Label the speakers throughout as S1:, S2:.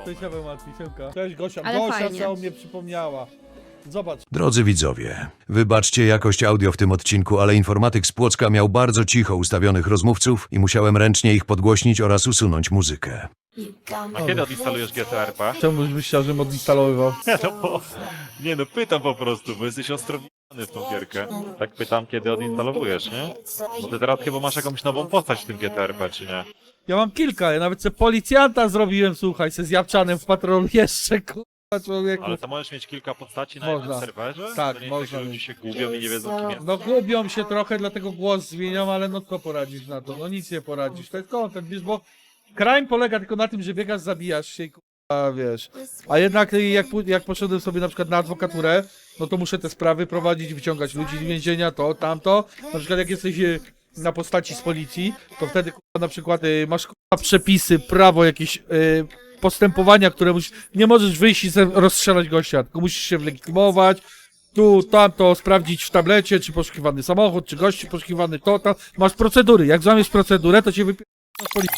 S1: To się martwi, siemka. Cześć Gosia,
S2: Ale
S1: Gosia
S2: fajnie.
S1: całą mnie przypomniała. Zobacz.
S3: Drodzy widzowie, wybaczcie jakość audio w tym odcinku, ale informatyk z Płocka miał bardzo cicho ustawionych rozmówców i musiałem ręcznie ich podgłośnić oraz usunąć muzykę.
S4: A kiedy odinstalujesz GTRP?
S1: Czemu byś chciał, żebym odinstalowywał?
S4: Nie no, pytam po prostu, bo jesteś ostrowiony w tą gierkę. Tak pytam, kiedy odinstalowujesz, nie? Bo ty teraz chyba masz jakąś nową postać w tym GTRP, czy nie?
S1: Ja mam kilka, ja nawet sobie policjanta zrobiłem, słuchaj, se z Japczanem w patrolu jeszcze, kurwa, człowieku.
S4: Ale to możesz mieć kilka postaci na
S1: Można.
S4: jednym serwerze?
S1: Tak,
S4: To nie jest
S1: można
S4: tak, że ludzie
S1: mieć.
S4: się gubią i nie wiedzą, kim jest.
S1: No gubią się trochę, dlatego głos zmieniam, ale no co poradzisz na to? No nic nie poradzisz, to jest content, wiesz, bo crime polega tylko na tym, że biegasz, zabijasz się i kurwa, wiesz. A jednak jak poszedłem sobie na przykład na adwokaturę, no to muszę te sprawy prowadzić, wyciągać ludzi z więzienia, to, tamto. Na przykład jak jesteś na postaci z policji, to wtedy kurwa, na przykład masz kurwa, przepisy, prawo, jakieś postępowania, które nie możesz wyjść i rozstrzelać gościa, tylko musisz się wylegitymować, tu, tamto, sprawdzić w tablecie, czy poszukiwany samochód, czy gości poszukiwany, to, tam. Masz procedury. Jak złamiesz procedurę, to cię wypierdolą z policji.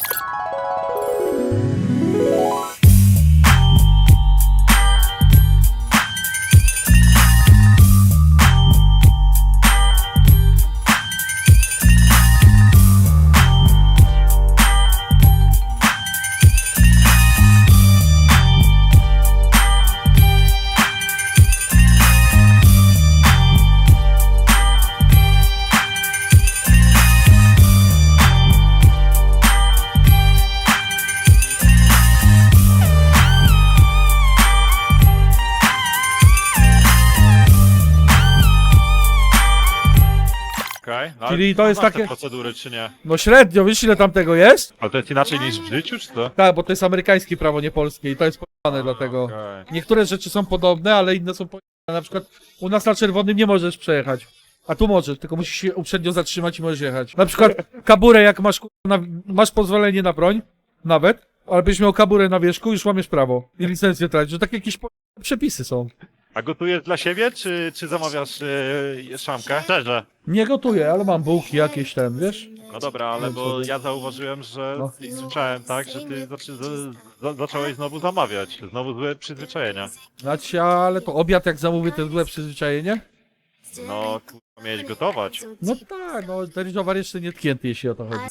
S4: Okej, no,
S1: Czyli to jest
S4: znasz
S1: takie-
S4: te procedury, czy nie?
S1: No średnio, wiesz ile tam tego jest?
S4: Ale to jest inaczej niż w życiu, czy to?
S1: Tak, bo to jest amerykańskie prawo, nie polskie i to jest pojebane dlatego.
S4: Okej.
S1: Niektóre rzeczy są podobne, ale inne są pojebane. Na przykład u nas na czerwonym nie możesz przejechać. A tu możesz, tylko musisz się uprzednio zatrzymać i możesz jechać. Na przykład kaburę, jak masz, masz pozwolenie na broń, nawet, ale byś miał kaburę na wierzchu, już łamiesz prawo. I licencję tracisz, że takie jakieś przepisy są.
S4: A gotujesz dla siebie, czy zamawiasz szamkę? Szczerze.
S1: Nie gotuję, ale mam bułki jakieś ten, wiesz?
S4: No dobra, ale bo ja zauważyłem, że
S1: No.
S4: i słyszałem tak, że ty zacząłeś znowu zamawiać. Znowu złe przyzwyczajenia.
S1: Znaczy, ale to obiad jak zamówię, to jest złe przyzwyczajenie?
S4: No, kurwa, miałeś gotować.
S1: No tak, no ten towar jeszcze nie tknięty, jeśli o to chodzi.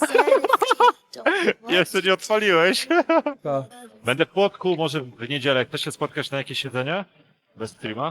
S4: Jeszcze nie odpaliłeś.
S1: Tak.
S4: Będę w Płotku, może w niedzielę. Chcesz się spotkać na jakieś siedzenie? Bez streama?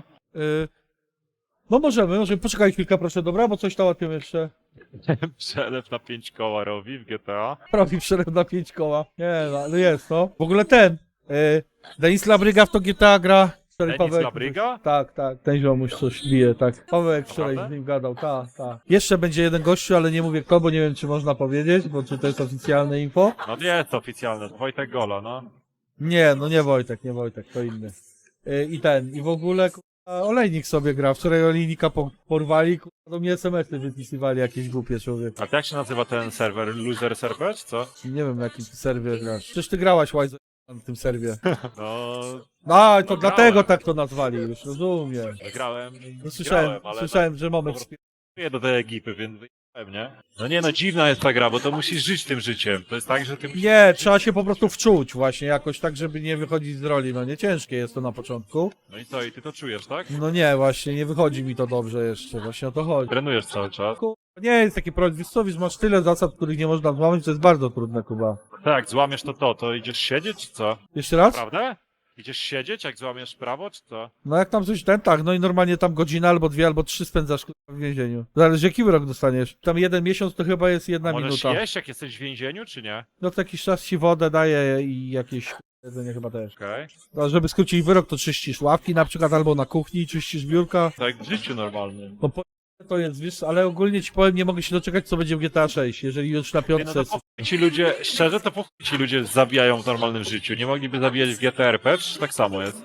S1: No możemy, poczekaj chwilkę proszę, dobra, bo coś tam łapię jeszcze.
S4: Przelew na 5 koła robi w GTA.
S1: Robi przelew na 5 koła. Nie, no jest, no. W ogóle ten, Denis Labryga w to GTA gra. Wczoraj
S4: Denis Labryga?
S1: Tak, ten ziomuś coś bije, tak. Pawełek wczoraj
S4: Naprawdę?
S1: z nim gadał, tak. Jeszcze będzie jeden gościu, ale nie mówię kto, bo nie wiem czy można powiedzieć, bo czy to jest oficjalne info.
S4: No nie jest to oficjalne, to Wojtek Gola, no.
S1: Nie, no nie Wojtek, to inny. I w ogóle Olejnik sobie gra. Wczoraj Olejnika porwali, do mnie SMS-y wypisywali jakieś głupie człowiek.
S4: A jak się nazywa ten serwer? Loser server, czy co?
S1: Nie wiem na jakim ty serwie grasz. Przecież ty grałaś Łajzo na tym serwie.
S4: No,
S1: A, to
S4: No,
S1: dlatego
S4: grałem.
S1: tak to nazwali już, rozumiem.
S4: grałem.
S1: No, słyszałem,
S4: ale
S1: że moment...
S4: nie do tej ekipy, więc wyjechałem, nie? No nie no, dziwna jest ta gra, bo to musisz żyć tym życiem. To jest tak, że ty musisz...
S1: Nie, trzeba się po prostu wczuć właśnie jakoś tak, żeby nie wychodzić z roli. No nie ciężkie jest to na początku.
S4: No i co, i ty to czujesz, tak?
S1: No nie, właśnie nie wychodzi mi to dobrze jeszcze, właśnie o to chodzi.
S4: Trenujesz cały czas.
S1: Nie jest taki problem, wiesz co, masz tyle zasad, których nie można złamać, to jest bardzo trudne, Kuba.
S4: Tak, jak złamiesz to idziesz siedzieć, czy co?
S1: Jeszcze raz?
S4: Prawda? Idziesz siedzieć, jak złamiesz prawo, czy co?
S1: No jak tam coś tak, no i normalnie tam godzinę albo 2 albo 3 spędzasz kurwa, w więzieniu. Zależy jaki wyrok dostaniesz. Tam 1 miesiąc to chyba jest 1
S4: Możesz
S1: minuta.
S4: jeść, jak jesteś w więzieniu, czy nie?
S1: No to jakiś czas ci wodę daje i jakieś jedzenie chyba też.
S4: Okej.
S1: No, żeby skrócić wyrok, to czyścisz ławki na przykład albo na kuchni, czyścisz biurka.
S4: Tak jak w życiu normalnym.
S1: No to jest, wiesz, ale ogólnie ci powiem, nie mogę się doczekać co będzie w GTA 6, jeżeli już na
S4: Nie, no
S1: piątce...
S4: to po chuj ci ludzie, szczerze, to po chuj ci ludzie zabijają w normalnym życiu. Nie mogliby zabijać w GTRP, czy tak samo jest?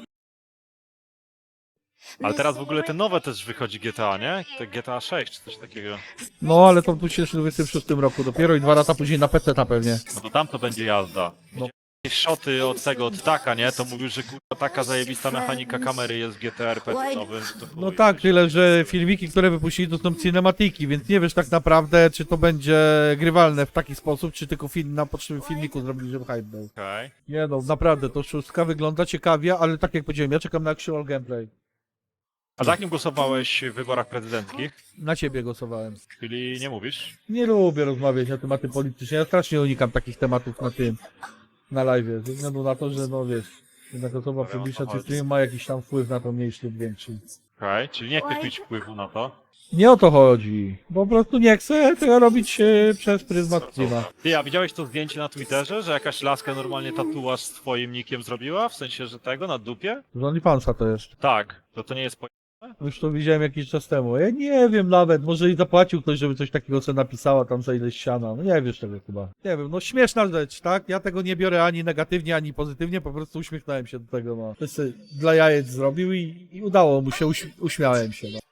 S4: Ale teraz w ogóle te nowe też wychodzi GTA, nie? To GTA 6 czy coś takiego.
S1: No ale to w 2026 roku dopiero i 2 lata później na PC pewnie.
S4: No to tam to będzie jazda.
S1: No.
S4: szoty od tego, od Taka, nie? To mówił, że kurwa taka zajebista mechanika kamery jest w GTRP nowym. To
S1: No
S4: chuj,
S1: tak,
S4: wiesz.
S1: tyle, że filmiki, które wypuścili, to są cinematiki, więc nie wiesz tak naprawdę, czy to będzie grywalne w taki sposób, czy tylko film na potrzeby filmiku zrobili, żeby hype był.
S4: Okej.
S1: Nie no, naprawdę, to szóstka wygląda ciekawie, ale tak jak powiedziałem, ja czekam na actual gameplay.
S4: A za kim głosowałeś w wyborach prezydenckich?
S1: Na ciebie głosowałem.
S4: Czyli nie mówisz?
S1: Nie lubię rozmawiać na tematy polityczne, ja strasznie unikam takich tematów na live, ze względu na to, że no wiesz, jednak osoba publiczna czy stream ma jakiś tam wpływ na to mniejszy lub większy.
S4: Okej, czyli nie chcesz mieć wpływu na to.
S1: Nie o to chodzi, po prostu nie chcę tego robić przez pryzmat streama.
S4: Ty, a widziałeś to zdjęcie na Twitterze, że jakaś laska normalnie tatuaż z twoim nickiem zrobiła? W sensie, że tego, na dupie?
S1: Z OnlyFansa to jest.
S4: Tak, to nie jest
S1: Już to widziałem jakiś czas temu. Ja nie wiem nawet, może i zapłacił ktoś, żeby coś takiego co napisała tam za ileś siana. No nie wiesz tego chyba. Nie wiem, no śmieszna rzecz, tak? Ja tego nie biorę ani negatywnie, ani pozytywnie, po prostu uśmiechnąłem się do tego, no. To sobie dla jajec zrobił i udało mu się, uśmiałem się, no.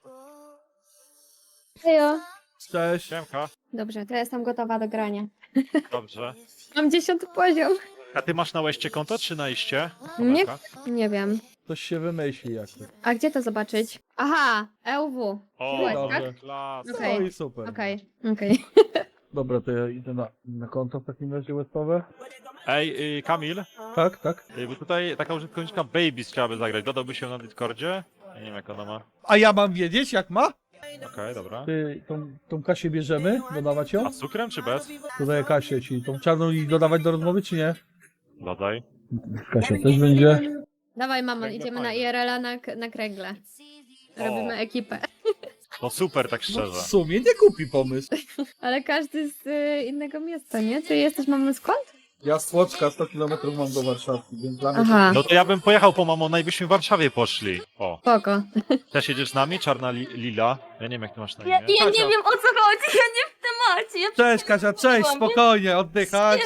S2: Hejo.
S1: Cześć.
S4: Siemka,
S2: Dobrze, to jestem gotowa do grania.
S4: dobrze.
S2: Mam 10 poziom.
S4: A ty masz na łeście konto, czy na iście?
S2: Nie,
S4: Tomelka?
S2: nie wiem.
S1: Coś się wymyśli jak to.
S2: A gdzie to zobaczyć? Aha, EUW.
S4: O,
S2: Byłeś,
S1: dobrze.
S4: klas.
S2: Okej.
S1: No i super.
S2: Okej.
S1: Dobra, to ja idę na konto w takim razie webowe.
S4: Ej, Kamil,
S1: Tak, tak.
S4: bo tutaj taka użytkowniczka Babies chciałaby zagrać. Dodałby się na Discordzie? Ja nie wiem jak ona ma.
S1: A ja mam wiedzieć jak ma?
S4: Okej, dobra.
S1: Ty, tą Kasię bierzemy? Dodawać ją?
S4: A z cukrem czy bez?
S1: Dodaję Kasię, czyli tą czarną i dodawać do rozmowy, czy nie?
S4: Dodaj.
S1: Kasia też będzie.
S2: Dawaj mamo,
S4: Kręgle
S2: idziemy na
S4: fajne.
S2: IRL-a na kręgle. Robimy ekipę.
S4: No super, tak
S1: No,
S4: szczerze.
S1: w sumie nie kupi pomysł.
S2: Ale każdy z innego miasta, nie? Ty jesteś mamą skąd?
S1: Ja z Płocka 100 km mam do Warszawy, więc dla mnie
S2: Aha,
S4: No to ja bym pojechał po mamą, byśmy w Warszawie poszli. O,
S2: spoko.
S4: też jedziesz z nami? Czarna Lila? Ja nie wiem jak ty masz na imię.
S5: Ja nie
S1: Kasia.
S5: wiem o co chodzi, ja nie w temacie. Ja
S1: Cześć Kasia, cześć, spokojnie, oddychać.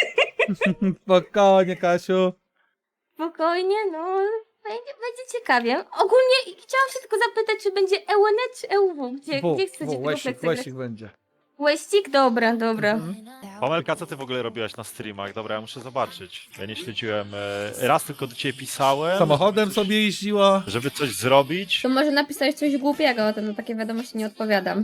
S1: Spokojnie Kasiu.
S5: spokojnie, no. Będzie ciekawie. Ogólnie chciałam się tylko zapytać, czy będzie EUNET czy EUW? Gdzie chcecie tego
S1: Łeścik,
S5: flexa grać?
S1: łeścik będzie.
S5: Łeścik? Dobra, dobra.
S4: Pamelka, co ty w ogóle robiłaś na streamach? Dobra, ja muszę zobaczyć. Ja nie śledziłem. Raz tylko do ciebie pisałem.
S1: Samochodem
S4: żeby coś-
S1: sobie jeździła.
S4: Żeby coś zrobić.
S2: To może napisałeś coś głupiego, to na takie wiadomości nie odpowiadam.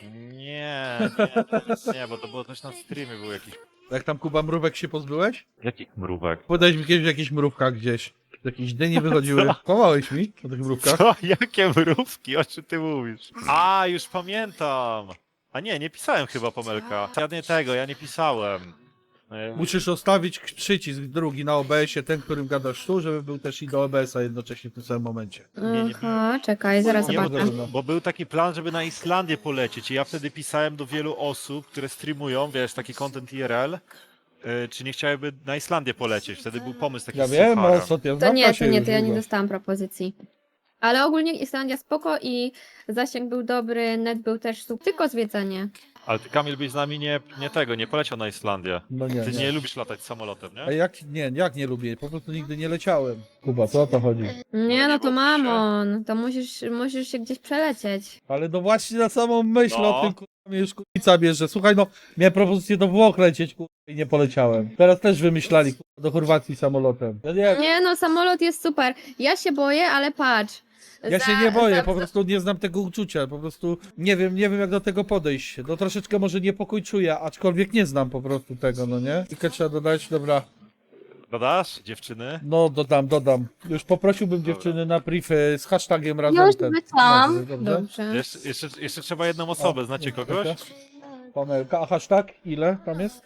S4: Nie, bo to było coś na streamie, był jakiś...
S1: Jak tam Kuba mrówek się pozbyłeś?
S4: Jakich mrówek?
S1: Podałeś mi kiedyś w jakichś mrówkach gdzieś. Jakieś dynie wychodziły. Kłamałeś mi o tych mrówkach?
S4: Co? Jakie mrówki? O czym ty mówisz? A, już pamiętam! A nie pisałem chyba Pamelka. Ja nie pisałem.
S1: Musisz zostawić przycisk drugi na OBS-ie, ten, którym gadasz tu, żeby był też i do OBS-a jednocześnie w tym samym momencie.
S4: nie.
S2: Aha, czekaj, zaraz
S4: Nie,
S2: zobaczę.
S4: bo był taki plan, żeby na Islandię polecieć i ja wtedy pisałem do wielu osób, które streamują, wiesz, taki content IRL, czy nie chciałyby na Islandię polecieć. Wtedy był pomysł taki
S1: Ja
S4: z
S1: wiem,
S4: Sucharem.
S1: o co ty
S2: To
S1: znam
S2: nie,
S1: Kasię
S2: to
S1: już
S2: ja nie
S1: długo.
S2: dostałam propozycji. Ale ogólnie Islandia spoko i zasięg był dobry, net był też super, tylko zwiedzanie.
S4: Ale ty, Kamil, byś z nami nie poleciał na Islandię.
S1: No nie,
S4: Ty
S1: nie.
S4: nie lubisz latać samolotem,
S1: A
S4: nie?
S1: jak nie lubię? Po prostu nigdy nie leciałem. Kuba, co o to chodzi?
S2: Nie, no to
S4: bój się.
S2: mamon, to musisz się gdzieś przelecieć.
S1: Ale no właśnie na samą myśl
S4: No.
S1: o tym, kurwa, mnie już kurwica bierze. Słuchaj, no, miałem propozycję do Włoch lecieć, kurwa, i nie poleciałem. Teraz też wymyślali, kurwa, do Chorwacji samolotem.
S2: Nie no, samolot jest super. Ja się boję, ale patrz.
S1: Ja się nie boję, po prostu nie znam tego uczucia, po prostu nie wiem jak do tego podejść. No troszeczkę może niepokój czuję, aczkolwiek nie znam po prostu tego, no nie? Tylko trzeba dodać, dobra,
S4: Dodasz, dziewczyny?
S1: no dodam. Już poprosiłbym dziewczyny na priv z hashtagiem razem
S5: Już
S1: ten.
S5: wysłałam.
S1: Dobrze?
S2: Dobrze.
S4: Jeszcze trzeba jedną osobę, znacie kogoś?
S1: Pamelka, a hashtag ile tam jest?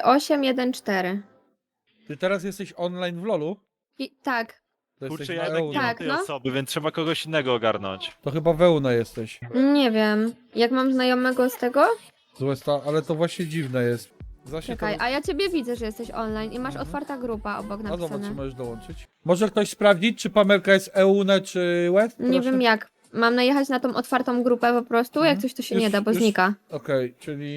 S2: 3814.
S1: Ty teraz jesteś online w LoLu?
S2: I tak.
S1: To
S4: Kurczę,
S1: jesteś
S4: ja
S1: na
S4: jednak nie
S1: Euna.
S4: mam
S2: Tak,
S4: tej
S2: no.
S4: osoby, więc trzeba kogoś innego ogarnąć.
S1: To chyba w Euna jesteś.
S2: Nie wiem. Jak mam znajomego z tego?
S1: Ale to właśnie dziwne jest. Właśnie
S2: Czekaj,
S1: to...
S2: a ja ciebie widzę, że jesteś online i masz otwarta grupa obok
S1: No zobacz, czy
S2: napisane.
S1: możesz dołączyć. Może ktoś sprawdzić, czy Pamelka jest Euna, czy West?
S2: Nie wiem jak. Mam najechać na tą otwartą grupę po prostu? Jak coś to się
S1: Już-
S2: nie da, bo
S1: już-
S2: znika.
S1: Okej,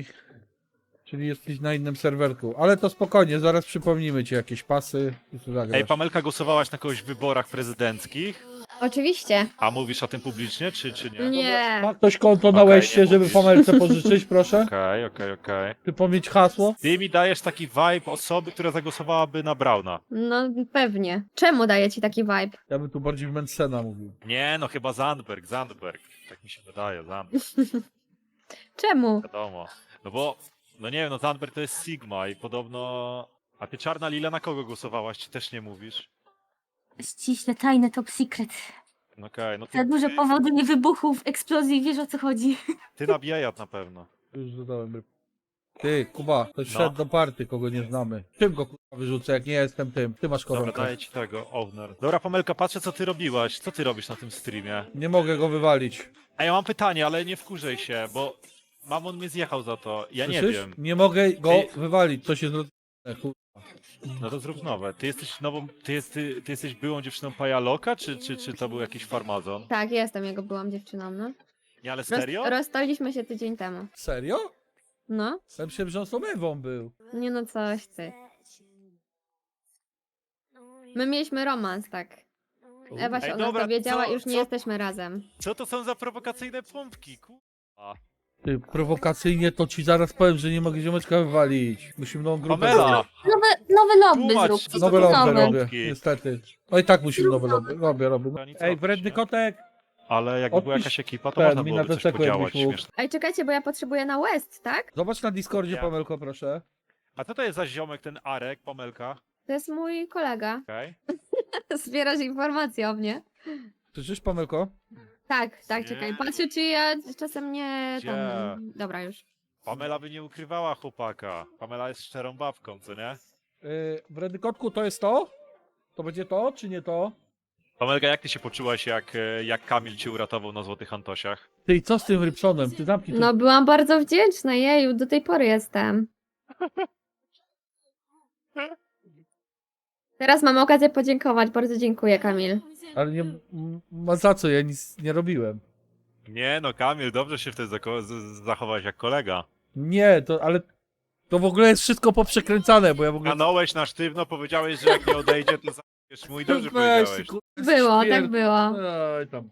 S1: czyli jesteś na innym serwerku. Ale to spokojnie, zaraz przypomnimy ci jakieś pasy i tu zagrasz.
S4: Ej, Pamelka, głosowałaś na kogoś w wyborach prezydenckich?
S2: Oczywiście.
S4: A mówisz o tym publicznie, czy nie?
S2: Nie.
S1: Ma ktoś konto na
S4: Okej,
S1: Łeście,
S4: nie
S1: żeby
S4: mówisz.
S1: Pamelce pożyczyć, proszę?
S4: Okej.
S1: Ty pomyć hasło?
S4: Ty mi dajesz taki vibe osoby, która zagłosowałaby na Brauna.
S2: No pewnie. Czemu daje ci taki vibe?
S1: Ja bym tu bardziej w Mencena mówił.
S4: Nie, no chyba Zandberg. Tak mi się wydaje, Zandberg,
S2: Czemu?
S4: wiadomo. No bo, no nie wiem, no Zandberg to jest Sigma i podobno... A ty Czarna Lila na kogo głosowałaś, czy też nie mówisz?
S5: Ściśle tajne top secret.
S4: No okej, no
S5: Za dużo powodów wybuchów, eksplozji, wiesz o co chodzi.
S4: ty na Biejat na pewno.
S1: Już dodałem ryb. Ty, Kuba, ktoś
S4: No.
S1: szedł do party, kogo nie znamy. Czym go kurwa wyrzucę, jak nie jestem tym? Ty masz
S4: Dobra,
S1: koronkę.
S4: daję ci tego, Owner. Dobra, Pamelka, patrzę co ty robiłaś. Co ty robisz na tym streamie?
S1: Nie mogę go wywalić.
S4: A ja mam pytanie, ale nie wkurzaj się, bo mamon mnie zjechał za to. Ja nie
S1: Słyszysz?
S4: wiem.
S1: Nie mogę go
S4: Ty-
S1: wywalić, to się zrobi.
S4: No to zrób nowe. Ty jesteś nową, ty jesteś byłą dziewczyną Pajaloka, czy to był jakiś farmazon?
S2: Tak, jestem jego byłam dziewczyną, no.
S4: Nie, ale serio?
S2: Rozstaliśmy się tydzień temu.
S1: Serio?
S2: No.
S1: Ja myślałem, że on z tą Ewą był.
S2: Nie no, coś ty. My mieliśmy romans, tak. Ewa się
S4: Ej,
S2: o nas
S4: dobra,
S2: dowiedziała
S4: co-
S2: i już nie
S4: co-
S2: jesteśmy razem.
S4: Co to są za prowokacyjne pompki, kurwa?
S1: Ty, prowokacyjnie to ci zaraz powiem, że nie mogę ziomeczka wywalić. Musimy nową grupę
S4: Pamela!
S1: zrobić.
S5: Nowy lobby
S4: Tłumacz,
S5: zrób.
S4: co
S1: Nowe
S4: to są
S1: lobby
S4: za
S1: robię,
S4: pompki?
S1: niestety. No i tak musimy nowe lobby. Robię.
S4: To nic
S1: Ej,
S4: robić,
S1: wredny
S4: nie?
S1: kotek!
S4: Ale jakby była
S1: Odpisz
S4: jakaś ekipa, to
S1: ten,
S4: można
S1: mi
S4: byłoby
S1: na
S4: coś
S1: teseku
S4: podziałać
S1: jakbyś mógł.
S4: śmieszne.
S2: Ej, czekajcie, bo ja potrzebuję na West, tak?
S1: Zobacz na Discordzie,
S4: Nie.
S1: Pamelko, proszę.
S4: A co to jest za ziomek, ten Arek, Pamelka?
S2: To jest mój kolega.
S4: Okej.
S2: Zbierasz informacje o mnie.
S1: Słyszysz, Pamelko?
S2: Tak,
S4: Nie.
S2: czekaj. Patrzę, czy ja czasem nie
S4: Gdzie?
S2: tam... Dobra, już.
S4: Pamela by nie ukrywała chłopaka. Pamela jest szczerą babką, co nie?
S1: Wredny kotku, to jest to? To będzie to, czy nie to?
S4: Pamelka, jak ty się poczułaś, jak Kamil cię uratował na Złotych Antosiach?
S1: Ty, co z tym Rybsonem? Ty zamknij
S2: No, byłam bardzo wdzięczna, jeju, do tej pory jestem. Teraz mam okazję podziękować. Bardzo dziękuję, Kamil.
S1: Ale nie ma za co, ja nic nie robiłem.
S4: Nie no, Kamil, dobrze się wtedy zachowałeś jak kolega.
S1: Nie, ale to w ogóle jest wszystko poprzekręcane, bo ja w ogóle...
S4: Stanąłeś na sztywno, powiedziałeś, że jak nie odejdzie, to zabijesz mu i dobrze
S1: Weź,
S4: powiedziałeś.
S1: ty, kurwa,
S2: Było,
S1: śmier-
S2: tak było.
S1: Oj, tam.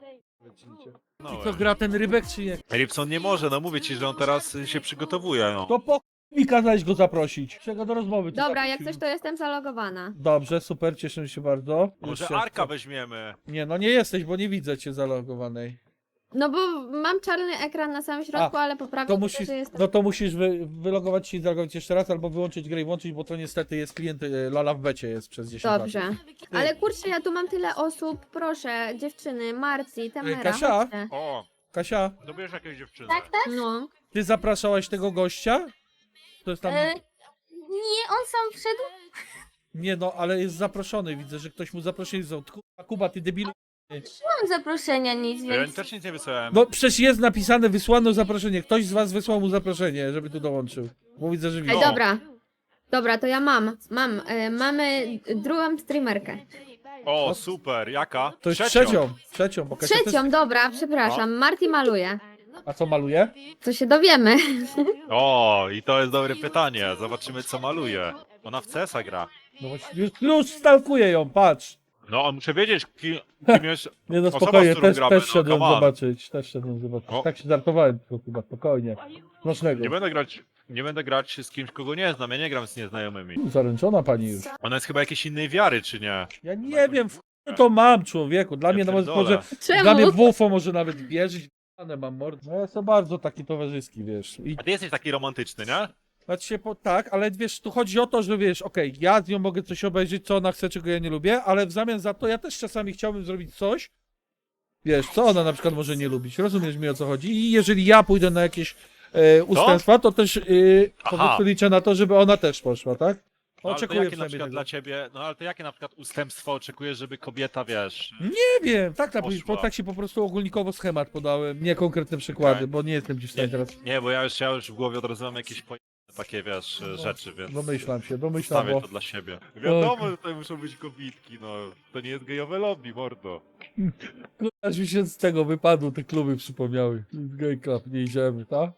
S1: I
S4: No,
S1: co, gra ten rybek, czy nie?
S4: Rybson nie może, no mówię ci, że on teraz się przygotowuje, no.
S1: To po mi kazałeś go zaprosić. Czego do rozmowy?
S2: Dobra, jak coś, to jestem zalogowana.
S1: Dobrze, super, cieszę się bardzo.
S4: Może
S1: Już się-
S4: Arka weźmiemy.
S1: Nie, no nie jesteś, bo nie widzę cię zalogowanej.
S2: No bo mam czarny ekran na samym środku, ale poprawię
S1: To
S2: to,
S1: musisz,
S2: że jestem...
S1: no to musisz wylogować się i zalogować jeszcze raz, albo wyłączyć grę i włączyć, bo to niestety jest klient Lala w becie jest przez 10 lat.
S2: Dobrze. Ale kurczę, ja tu mam tyle osób. Proszę, dziewczyny, Marci, Tamara,
S1: Kasia?
S2: chodźcie.
S4: O,
S1: Kasia,
S4: dobierz jakieś dziewczyny.
S5: Tak, tak?
S2: No.
S1: ty zapraszałaś tego gościa? To jest tam...
S5: Nie, on sam wszedł.
S1: Nie no, ale jest zaproszony, widzę, że ktoś mu zaproszenie wziął. Kuba, ty debilu.
S5: Mam zaproszenia nic,
S4: Ja
S5: więc...
S4: też nic nie wysłałem.
S1: No przecież jest napisane, wysłano zaproszenie. Ktoś z was wysłał mu zaproszenie, żeby tu dołączył. Bo widzę, że
S2: Ej,
S1: widzi.
S2: dobra. Dobra, to ja mam. Mamy drugą streamerkę.
S4: O, super, jaka?
S1: To jest trzecią, bo Kasia też...
S2: Trzecią, dobra, przepraszam. Marti maluje.
S1: A co maluje?
S2: To się dowiemy.
S4: O, i to jest dobre pytanie. Zobaczymy, co maluje. Ona w CS-a gra.
S1: No właśnie, już stalkuję ją, patrz.
S4: No, muszę wiedzieć, kim jest...
S1: Nie no
S4: Osoba,
S1: spokojnie,
S4: z którą
S1: też,
S4: gramy,
S1: też
S4: no,
S1: szedłem
S4: come on.
S1: zobaczyć,
S4: O.
S1: Tak się żartowałem tylko chyba, spokojnie. Smacznego.
S4: Nie będę grać z kimś, kogo nie znam. Ja nie gram z nieznajomymi.
S1: Zaręczona pani już.
S4: Ona jest chyba jakiejś innej wiary, czy nie?
S1: Ja nie wiem, w chuj to mam, człowieku. Dla
S4: Ja
S1: mnie nawet
S4: pierdolę.
S1: może... Dla mnie
S2: Czemu?
S1: w UFO może nawet wierzyć. Mam mord. No ja jestem bardzo taki towarzyski, wiesz. I
S4: A ty jesteś taki romantyczny, nie?
S1: znaczy się tak, ale wiesz, tu chodzi o to, że wiesz, okej, ja z nią mogę coś obejrzeć, co ona chce, czego ja nie lubię, ale w zamian za to ja też czasami chciałbym zrobić coś, wiesz, co ona na przykład może nie lubić. Rozumiesz mi, o co chodzi? I jeżeli ja pójdę na jakieś ustępstwa, to też po
S4: Aha.
S1: prostu liczę na to, żeby ona też poszła, tak?
S4: No, ale to
S1: Oczekuję
S4: jakie na
S1: przynajmniej
S4: przykład
S1: tego.
S4: dla ciebie, no ale to jakie na przykład ustępstwo oczekujesz, żeby kobieta, wiesz...
S1: Nie wiem, tak,
S4: Poszła.
S1: tak się po prostu ogólnikowo schemat podałem, nie konkretne przykłady,
S4: Okej.
S1: bo nie jestem ci w stanie
S4: Nie,
S1: teraz...
S4: nie, bo ja już w głowie od razu mam jakieś takie, wiesz, rzeczy, więc...
S1: Domyślam się,
S4: Stawię
S1: bo...
S4: to dla siebie. Wiadomo, że to muszą być kobitki, no. To nie jest gejowe lobby, mordo.
S1: Aż mi się z tego wypadło, te kluby przypomniały. Gay Club, nie idziemy, tak?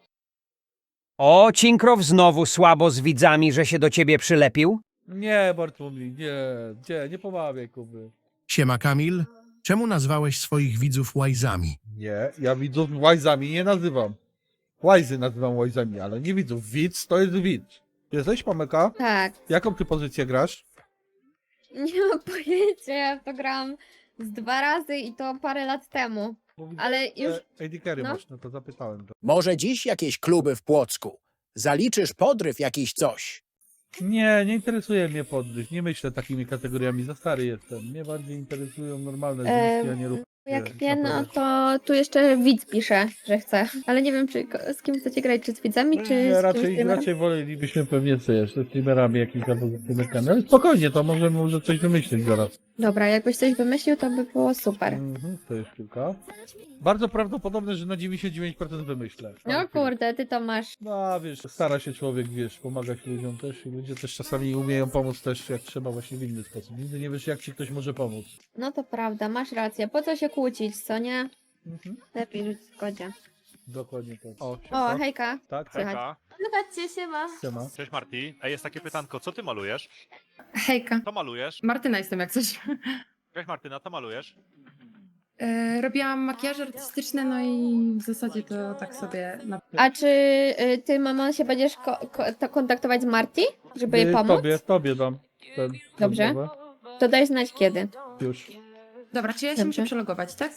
S6: O, Cinkrow znowu słabo z widzami, że się do ciebie przylepił?
S1: Nie, Bartłomiej, nie pomawiaj, Kuby.
S7: Siema Kamil. Czemu nazwałeś swoich widzów łajzami?
S1: Nie, ja widzów łajzami nie nazywam. Łajzy nazywam łajzami, ale nie widzów. Widz to jest widz. Jesteś, Pameka?
S2: Tak.
S1: Jaką ty pozycję grasz?
S2: Nie mam pojęcia, ja w to grałam z 2 razy i to parę lat temu. Ale już...
S1: AD Carry
S2: no.
S1: masz, no to zapytałem.
S8: Może dziś jakieś kluby w Płocku? Zaliczysz podryw jakiś coś?
S1: Nie, nie interesuje mnie podryw. Nie myślę takimi kategoriami, za stary jestem. Mnie bardziej interesują normalne związki, a nie ruchy.
S2: Jak nie, no to tu jeszcze widz pisze, że chce. Ale nie wiem, czy z kim chcecie grać, czy z widzami, czy
S1: Nie,
S2: z
S1: raczej,
S2: streamerem?
S1: raczej wolelibyśmy pewnie co ze streamerami jakimś albo ze streamerkami. Ale spokojnie, to możemy może coś wymyślić zaraz.
S2: Dobra, jakbyś coś wymyślił, to by było super.
S1: To jest kilka. Bardzo prawdopodobne, że na 99% wymyślę.
S2: No kurde, ty to masz.
S1: No wiesz, stara się człowiek, wiesz, pomagać ludziom też i ludzie też czasami umieją pomóc też jak trzeba właśnie w inny sposób. Nigdy nie wiesz jak ci ktoś może pomóc.
S2: No to prawda, masz rację. Po co się kłócić, co nie? Lepiej żyć w zgodzie.
S1: Dokładnie tak. O,
S2: O, hejka.
S1: Tak, tak.
S4: Hejka.
S5: Zobaczcie się ma.
S1: Siema.
S4: Cześć Marti. Ej, jest takie pytanko, co ty malujesz?
S9: Hejka.
S4: Co malujesz?
S9: Martyna jestem jak coś.
S4: Cześć Martyna, co malujesz?
S9: Robiłam makijaże artystyczne, no i w zasadzie to tak sobie na...
S2: A czy ty, mamo, się będziesz to kontaktować z Marti, żeby jej pomóc?
S1: Tobie dam. Ten,
S2: Dobrze.
S1: rozmowę.
S2: To daj znać kiedy.
S1: Już.
S9: Dobra, czy ja się muszę
S2: Dobrze.
S9: przelogować, tak?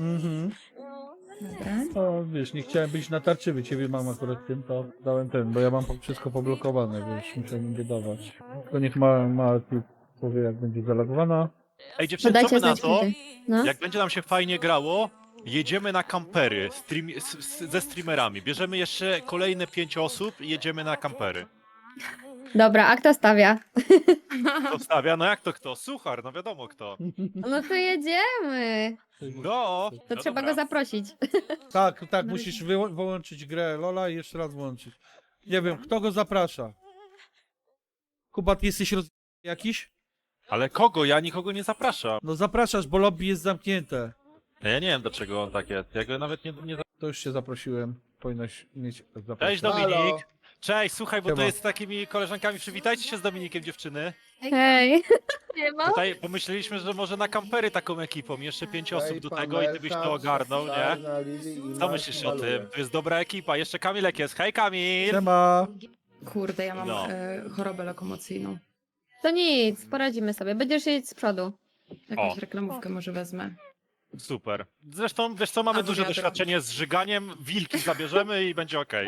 S9: Dobra.
S1: O, wiesz, nie chciałem być natarczywy, ciebie mam akurat tym, to dałem ten, bo ja mam wszystko poblokowane, wiesz, muszę im dodawać. Tylko niech ma powie, jak będzie zalogowana.
S4: Ej dziewczyny, co
S2: Podajcie
S4: my na
S2: znać
S4: to?
S2: kiedy. No.
S4: Jak będzie nam się fajnie grało, jedziemy na kampery ze streamerami. Bierzemy jeszcze kolejne 5 osób i jedziemy na kampery.
S2: Dobra, a kto stawia?
S4: Kto stawia? No jak to kto? Suchar, no wiadomo kto.
S2: No to jedziemy.
S4: No,
S2: To
S4: no
S2: trzeba
S4: dobra.
S2: go zaprosić.
S1: Tak, musisz wyłączyć grę Lola i jeszcze raz włączyć. Nie wiem, kto go zaprasza? Kuba, ty jesteś jakiś?
S4: Ale kogo? Ja nikogo nie zapraszam.
S1: No zapraszasz, bo lobby jest zamknięte.
S4: Ja nie wiem dlaczego on tak jest. Ja go nawet nie
S1: To już cię zaprosiłem. Powinnaś mieć zaproszenie.
S4: Cześć Dominik. Cześć, słuchaj, bo
S1: Siema.
S4: to jest z takimi koleżankami. Przywitajcie się z Dominikiem, dziewczyny.
S2: Hej.
S5: Nie ma.
S4: Tutaj pomyśleliśmy, że może na kampery taką ekipą. Jeszcze 5 osób do tego i ty byś to ogarnął, nie? Co myślisz o tym? To jest dobra ekipa. Jeszcze Kamilek jest. Hej Kamil!
S1: Siema.
S9: Kurde, ja mam
S4: No.
S9: chorobę lokomocyjną.
S2: To nic, poradzimy sobie. Będziesz jeździć z przodu.
S9: Jakąś
S4: O.
S9: reklamówkę może wezmę.
S4: Super. Zresztą, wiesz co, mamy
S9: Albo
S4: duże
S9: wiadro.
S4: doświadczenie z żyganiem. Wilki zabierzemy i będzie okej.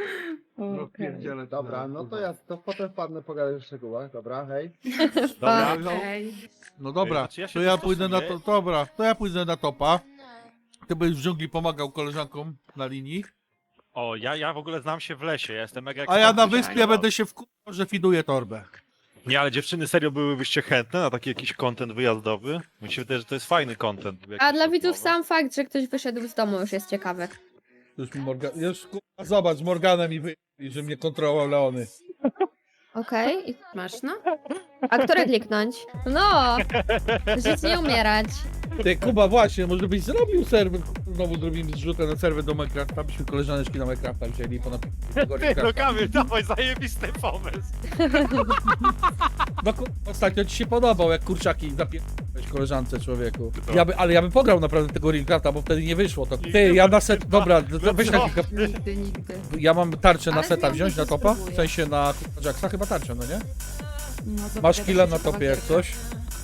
S10: Dobra, no to ja to potem wpadnę pogadać w szczegółach, dobra, hej.
S4: Dobra.
S9: Okej.
S1: No dobra,
S4: Znaczy ja się
S1: to ja pójdę na to.
S4: dostosuję.
S1: Dobra, to ja pójdę na topa. Ty byś w dżungli pomagał koleżankom na linii.
S4: O, ja w ogóle znam się w lesie. Ja jestem mega
S1: A ja na
S4: ekspertem.
S1: wyspie będę się wkurzał, że fiduję torbę.
S4: Nie, ale dziewczyny, serio byłybyście chętne na taki jakiś content wyjazdowy? Mi się wydaje, że to jest fajny content.
S2: A
S4: jakiś
S2: dla widzów
S4: rozmowy.
S2: sam fakt, że ktoś wyszedł z domu już jest ciekawy.
S1: Już mi już zobacz, z Morganem i że mnie kontrolował Leony.
S2: Okej.
S9: Masz, no?
S2: A które kliknąć? No! Żyć nie umierać.
S1: Ty Kuba, właśnie, może byś zrobił serwer. Znowu zrobimy zrzutę na serwer do Minecrafta, byśmy koleżaneczki na Minecrafta wzięli i ponad tego
S4: Ty, no
S1: Minecrafta.
S4: Kamil, dawaj, zajebisty pomysł.
S1: No ostatnio ci się podobał, jak kurczaki zapierdałeś koleżance, człowieku.
S4: Co?
S1: Ale ja bym pograł naprawdę tego Minecrafta, bo wtedy nie wyszło to. Ty, ja na set, dobra, weź na
S4: co?
S1: kilka...
S9: Nigdy.
S1: Ja mam tarczę na
S9: Ale
S1: seta
S9: wiem,
S1: wziąć
S9: że
S1: na topa?
S9: spróbuję.
S1: W sensie na Jacksa chyba tarczę, no nie?
S9: No,
S1: Masz
S9: zapowiada
S1: killa
S9: się
S1: na
S9: ciekawa
S1: topie jak
S9: gierka.
S1: coś?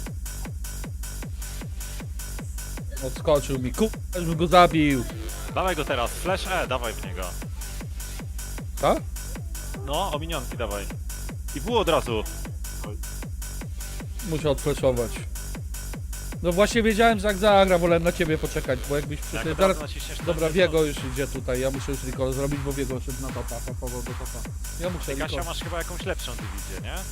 S1: Odskoczył mi, już bym go zabił.
S4: Dawaj go teraz, flash E, dawaj w niego.
S1: Tak?
S4: No, o minionki dawaj. I było od razu.
S1: Muszę odflashować. No właśnie wiedziałem, że jak zagra, wolałem na ciebie poczekać, bo jakbyś
S4: Jak
S1: przyszedł
S4: od
S1: zaraz...
S4: razu naciśniesz
S1: Dobra,
S4: ten-
S1: Wiego już idzie tutaj, ja muszę już recall zrobić, bo Wiego szedł na topa, topował do topa. Ja muszę
S4: Ty, Kasia,
S1: recall.
S4: masz chyba jakąś lepszą dywizję, nie?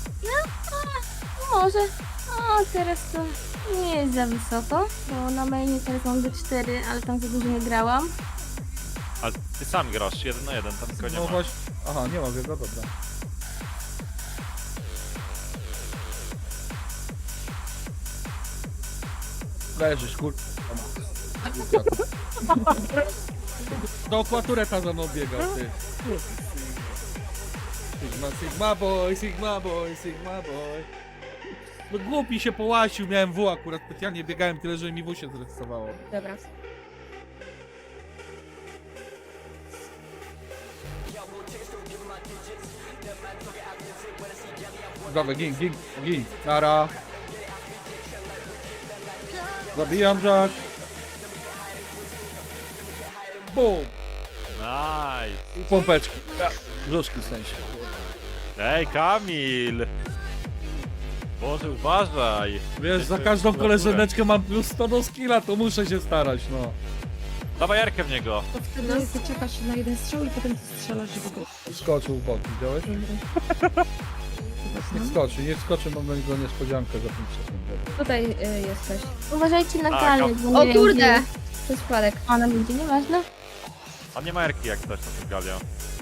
S5: Może. O, teraz to nie jest za wysoko, bo na mainie teraz mam D4, ale tam za dużo nie grałam.
S4: Ale ty sam grasz 1 na 1, tam tylko nie
S1: No
S4: ma.
S1: właśnie, aha, nie ma Wiego, dobra. Leżysz, kur... Dookoła tureta za mną biegał, ty. Sigma, Sigma boy, Sigma boy, Sigma boy. No głupi się połasił, miałem W akurat, specjalnie biegałem tyle, że mi W się zrestowało.
S2: Dobra.
S1: Dobra, gin. Nara. Zabijam Jack. Bum.
S4: Nice.
S1: I pompeczki. Brzuszki w sensie.
S4: Ej, Kamil! Boże, uważaj!
S1: Wiesz, za każdą koleżaneczkę mam plus 100 do skilla, to muszę się starać, no.
S4: Dawaj Jarkę w niego!
S9: To wtedy czekasz na jeden strzał i potem strzelasz, żeby go...
S1: Skoczył w bok, widziałeś? Niech skoczy, mam na niego niespodziankę za 5 sekund.
S2: Tutaj jesteś.
S5: Uważajcie na
S4: A,
S5: galę, bo nie
S2: O
S5: wiem,
S2: kurde!
S5: gdzie
S2: To jest przypadek.
S5: ona będzie, nieważne.
S4: On nie ma Jarki jak coś na tym galia.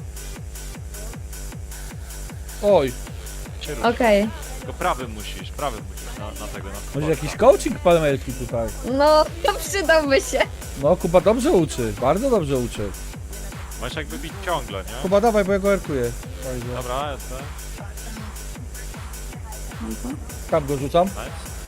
S1: Oj,
S4: Cię rusz.
S2: Okej.
S4: Tylko prawym musisz na tego. Na
S1: może jakiś coaching palmelki tutaj.
S2: No, to przydałby się.
S1: No, Kuba dobrze uczy, bardzo dobrze uczy.
S4: Masz jakby bić ciągle, nie?
S1: Kuba dawaj, bo ja go erkuję.
S4: Dobra, jestem.
S1: Tam go rzucam.
S4: Nice.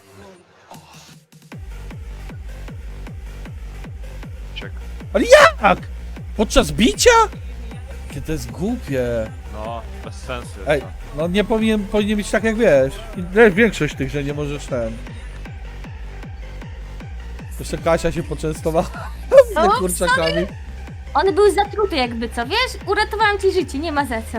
S4: Uciekł.
S1: Ale jak? Podczas bicia? Jakie to jest głupie.
S4: No, bez sensu. jest
S1: Ej,
S4: to.
S1: no nie powinien być tak jak wiesz. Większość tych, że nie możesz ten. Jeszcze Kasia się poczęstowała
S5: O,
S1: kurczakami.
S5: On był zatruty jakby, co wiesz? Uratowałam ci życie, nie ma za co.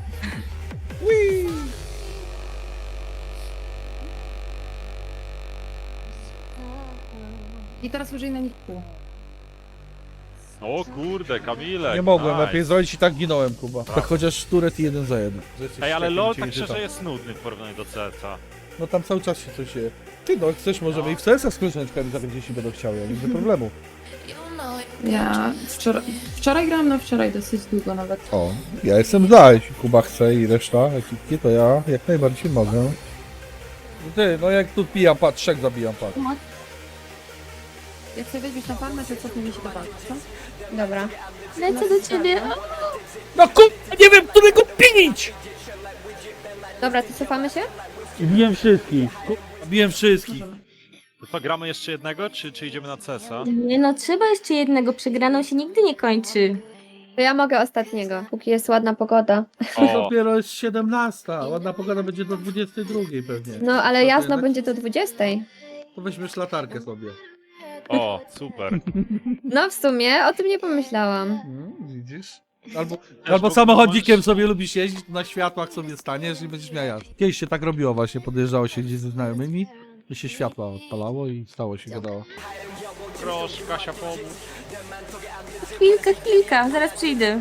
S9: I teraz użyj na nich pół.
S4: O kurde, Kamilek.
S1: Nie mogłem,
S4: nice.
S1: lepiej zrobić i tak ginąłem, Kuba. Tak chociaż turet i 1 za 1.
S4: Ej, ale LOL tak szczerze jest nudny w porównaniu do CS-a.
S1: No tam cały czas się coś dzieje. Ty no, jak chcesz, możemy i w CS-a z koleżaneczkami zagrać, jeśli będą chciały, ja nie widzę problemu.
S9: Ja wczoraj grałam, no wczoraj dosyć długo nawet.
S1: O, ja jestem za, jeśli Kuba chce i reszta ekipki, to ja jak najbardziej mogę. Ty, no jak tu pijam, patrz, 3 zabijam, patrz.
S9: Jak sobie weźmiesz na farmę, to cofnij się do walki, co?
S2: Dobra.
S5: Lecę do ciebie.
S1: No kurwa, nie wiem, którego pinić!
S2: Dobra, to cofamy się?
S1: Biłem wszystkich. Biłem wszystkich.
S4: To co, gramy jeszcze jednego, czy idziemy na CS-a?
S5: Nie no, trzeba jeszcze jednego, przegraną się nigdy nie kończy.
S2: To ja mogę ostatniego, póki jest ładna pogoda.
S1: To
S4: O,
S1: dopiero jest 17, ładna pogoda będzie do 22 pewnie.
S2: No, ale
S1: To
S2: jasno
S1: jednak-
S2: będzie do 20.
S1: To weźmiesz latarkę sobie.
S4: o, super.
S2: No, w sumie o tym nie pomyślałam.
S1: Widzisz? Albo
S4: bo-
S1: samochodnikiem sobie lubisz jeździć, na światłach sobie staniesz i będziesz miał jazdę. Kiedyś się tak robiło właśnie, podjeżdżało się gdzieś ze znajomymi i się światła odpalało i stało się gadało.
S4: Proszę, Kasia, pomóż.
S5: Chwilka, zaraz przyjdę.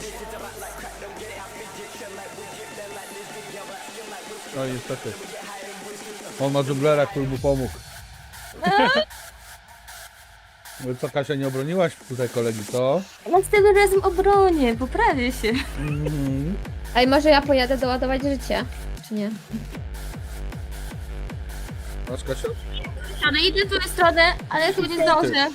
S1: No i niestety. On ma dżunglera, który mu pomógł. No i co, Kasia, nie obroniłaś tutaj kolegi, co?
S5: Następnym razem obronię, poprawię się.
S2: Ej, może ja pojadę doładować życie? Czy nie?
S1: Masz, Kasia?
S5: Ale idę w tę stronę, ale chyba nie zdążę.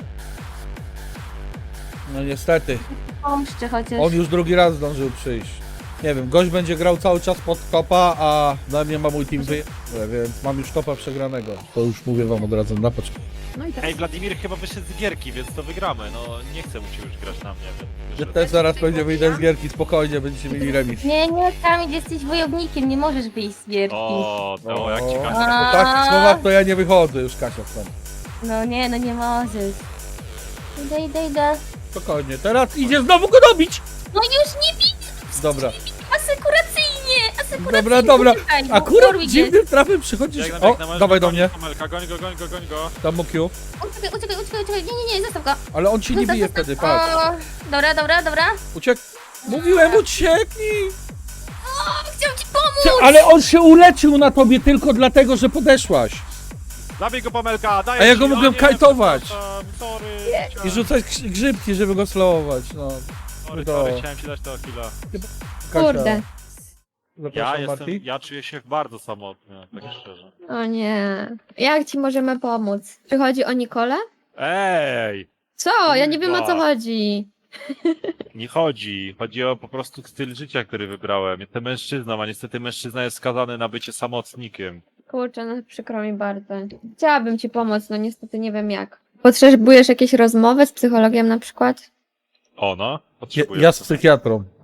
S1: No niestety.
S5: Pomszczę chociaż.
S1: On już drugi raz zdążył przyjść. Nie wiem, gość będzie grał cały czas pod topa, a na mnie ma mój team więc mam już topa przegranego. To już mówię wam od razu, na początku.
S9: No i teraz
S4: Ej, Wladimir chyba wyszedł z gierki, więc to wygramy. No, nie chcę mu się już grać na mnie. Więc
S1: Że
S4: wyszedł.
S1: też zaraz będzie wyjdę z gierki, spokojnie, będziecie mieli remis.
S5: Nie, Kamil, jesteś wojownikiem, nie możesz wyjść z gierki.
S4: O, to jak ci
S1: O,
S4: Kasia.
S1: po takich słowach to ja nie wychodzę już, Kasia, stąd.
S5: No nie możesz. Idę.
S1: Spokojnie, teraz idzie znowu go dobić!
S5: No już nie bij,
S1: Dobra,
S5: asekuracyjnie.
S1: dobra.
S5: Uciekaj, bo
S1: Akurat
S5: Warwick jest.
S1: dziwnym trafem przychodzisz... O, dawaj do mnie,
S4: Kamelka, goń go.
S1: tam mu Q.
S5: Uciekaj, nie, zostaw go.
S1: Ale on ci nie
S5: Zostaw,
S1: bije
S5: zostaw.
S1: wtedy, patrz.
S5: O, dobra.
S1: Uciek... Mówiłem, ucieknij!
S5: Chciałam ci pomóc.
S1: Ale on się uleczył na tobie tylko dlatego, że podeszłaś.
S4: Zabij go, Pamelka, daj
S1: A ja go mogłem kajtować.
S4: Sorry.
S1: I rzucać grzybki, żeby go slowować, no.
S4: Sorry, chciałem ci dać to killa.
S1: Kasia,
S2: Kurde.
S1: zapraszam, Marty.
S4: Ja czuję się bardzo samotny, tak szczerze.
S2: O nie. Jak ci możemy pomóc? Czy chodzi o Nikolę?
S4: Ej!
S2: Co? Ja nie wiem, o co
S4: Kurwa.
S2: chodzi.
S4: Nie chodzi. Chodzi o po prostu styl życia, który wybrałem. Jestem mężczyzną, a niestety mężczyzna jest skazany na bycie samotnikiem.
S2: Kurczę, no przykro mi bardzo. Chciałabym ci pomóc, no niestety nie wiem jak. Potrzebujesz jakiejś rozmowy z psychologiem na przykład?
S4: Ona?
S1: Ja,
S4: Potrzebuję.
S1: ja z psychiatrą.